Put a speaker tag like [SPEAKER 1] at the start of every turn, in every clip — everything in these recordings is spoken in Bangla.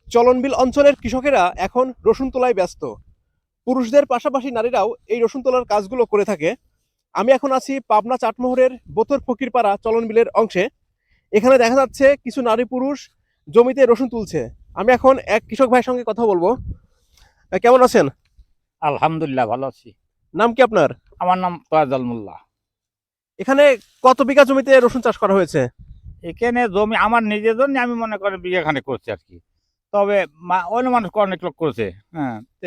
[SPEAKER 1] চলনবিল অঞ্চলের কৃষকেরা এখন রসুন তোলায় ব্যস্ত। পুরুষদের পাশাপাশি নারীরাও এই রসুন তোলার কাজগুলো করে থাকে। আমি এখন আছি পাবনা চাটমোহরের বোতর ফকিরপাড়া চলনবিলের অংশে। এখানে দেখা যাচ্ছে কিছু নারী পুরুষ জমিতে রসুন তুলছে। আমি এখন এক কৃষক ভাইয়ের সঙ্গে কথা বলবো। কেমন আছেন?
[SPEAKER 2] আলহামদুলিল্লাহ ভালো আছি।
[SPEAKER 1] নাম কি আপনার?
[SPEAKER 2] আমার নাম তোয়াজ্জল মোল্লা।
[SPEAKER 1] এখানে কত বিঘা জমিতে রসুন চাষ করা হয়েছে?
[SPEAKER 2] এখানে জমি আমার নিজের জন্য আমি মনে করি বিঘা খানেক করছি আর কি। তবে অন্য মানুষ অনেক লোক করেছে। হ্যাঁ, তো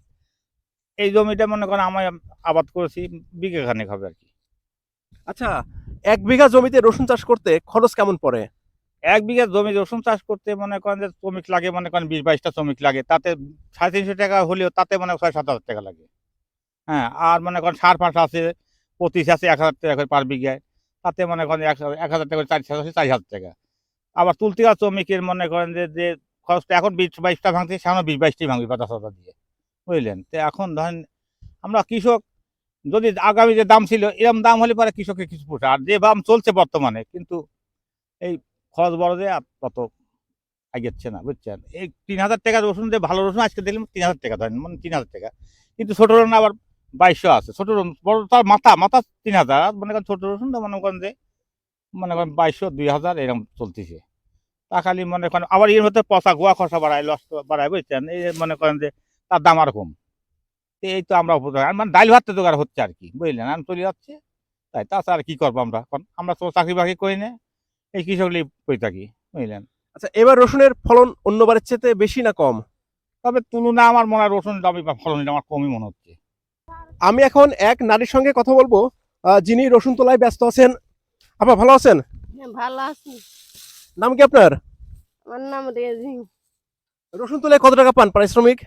[SPEAKER 2] এই জমিটা মনে করেন আমি আবাদ করেছি, বিঘা খানেক হবে আর কি।
[SPEAKER 1] আচ্ছা, 1 বিঘা জমিতে রসুন চাষ করতে খরচ কেমন পড়ে?
[SPEAKER 2] 1 বিঘা জমি রসুন চাষ করতে মনে করেন যে শ্রমিক লাগে, মনে করেন 20-22টা শ্রমিক লাগে, তাতে 350 টাকা হলেও তাতে মনে হয় 6-7 হাজার টাকা লাগে। হ্যাঁ, আর মনে করেন সার ফাঁস আছে, 25 আছে 1,000 টাকা করে পার বিঘায়, তাতে মনে করেন 1,000 টাকা করে 4,000 টাকা। আবার তুলতে গেলে শ্রমিকের মনে করেন যে খরচটা এখন 20-22টা ভাঙছে, সামনে 20-22টাই ভাঙবে 50,000 দিয়ে, বুঝলেন? তো এখন ধরেন আমরা কৃষক, যদি আগামী যে দাম ছিল এরকম দাম হলে পরে কৃষকের কিছু পোষায়, আর যে দাম চলছে বর্তমানে কিন্তু এই খরচ বড় যে আর তত আগেচ্ছে না, বুঝছেন? এই 3,000 টাকা রসুন, যে ভালো রসুন আজকে দিলাম 3,000 টাকা, ধরেন মানে 3,000 টাকা, কিন্তু ছোট রসুন আবার 2200 আছে। ছোট রসুন বড় তার মাথা মাথা 3,000, আর মনে করেন ছোট রসুনটা মনে করেন যে 2200 2,000 এরকম চলতেছে। তা খালি মনে করেন আবার এর মধ্যে পচা গোয়া খসা বাড়ায়, লস বাড়ায়, বুঝছেন? এই যে মনে করেন যে তার দাম আর কম। তো এই তো আমরা মানে ডাইল ভাত তো জোগাড় হচ্ছে আর কি, বুঝলেন? আমি চলে যাচ্ছে, তাই তাছাড়া আর কি করবো আমরা এখন? আমরা তো চাকরি বাকরি করি না, এই কৃষক লিয়ে করে থাকি, বুঝলেন?
[SPEAKER 1] আচ্ছা, এবার রসুনের ফলন অন্যবারের চেয়ে বেশি না কম?
[SPEAKER 2] তবে তুলনা আমার মনে হয় রসুন দামি বা ফলন আমার কমই মনে হচ্ছে।
[SPEAKER 1] আমি এখন এক নারীর সঙ্গে কথা বলবো, যিনি রসুন তোলায় ব্যস্ত আছেন। আপা ভালো আছেন?
[SPEAKER 3] হ্যাঁ, ভালো আছি।
[SPEAKER 1] নাম কি আপনার?
[SPEAKER 3] আমার নাম রেজিং।
[SPEAKER 1] রসুন তোলায় কত টাকা পান পারিশ্রমিক?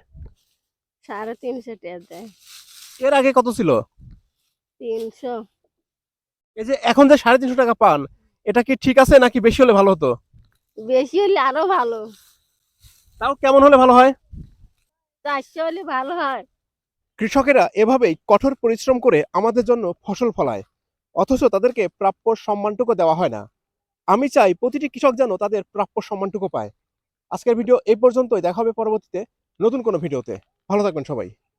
[SPEAKER 3] 350 টাকা দেয়।
[SPEAKER 1] এর আগে কত ছিল?
[SPEAKER 3] 300।
[SPEAKER 1] এই যে এখন যে 350 টাকা পান, এটা কি ঠিক আছে নাকি বেশি হলে ভালো হতো?
[SPEAKER 3] বেশি হলে আরো ভালো।
[SPEAKER 1] তাও কেমন হলে ভালো হয়?
[SPEAKER 3] 400 হলে ভালো হয়।
[SPEAKER 1] কৃষকেরা এভাবেই কঠোর পরিশ্রম করে আমাদের জন্য ফসল ফলায়, অথচ তাদেরকে প্রাপ্য সম্মানটুকু দেওয়া হয় না। আমি চাই প্রতিটি কৃষক যেন তাদের প্রাপ্য সম্মানটুকু পায়। আজকের ভিডিও এই পর্যন্তই, দেখা হবে পরবর্তীতে নতুন কোনো ভিডিওতে। ভালো থাকবেন সবাই।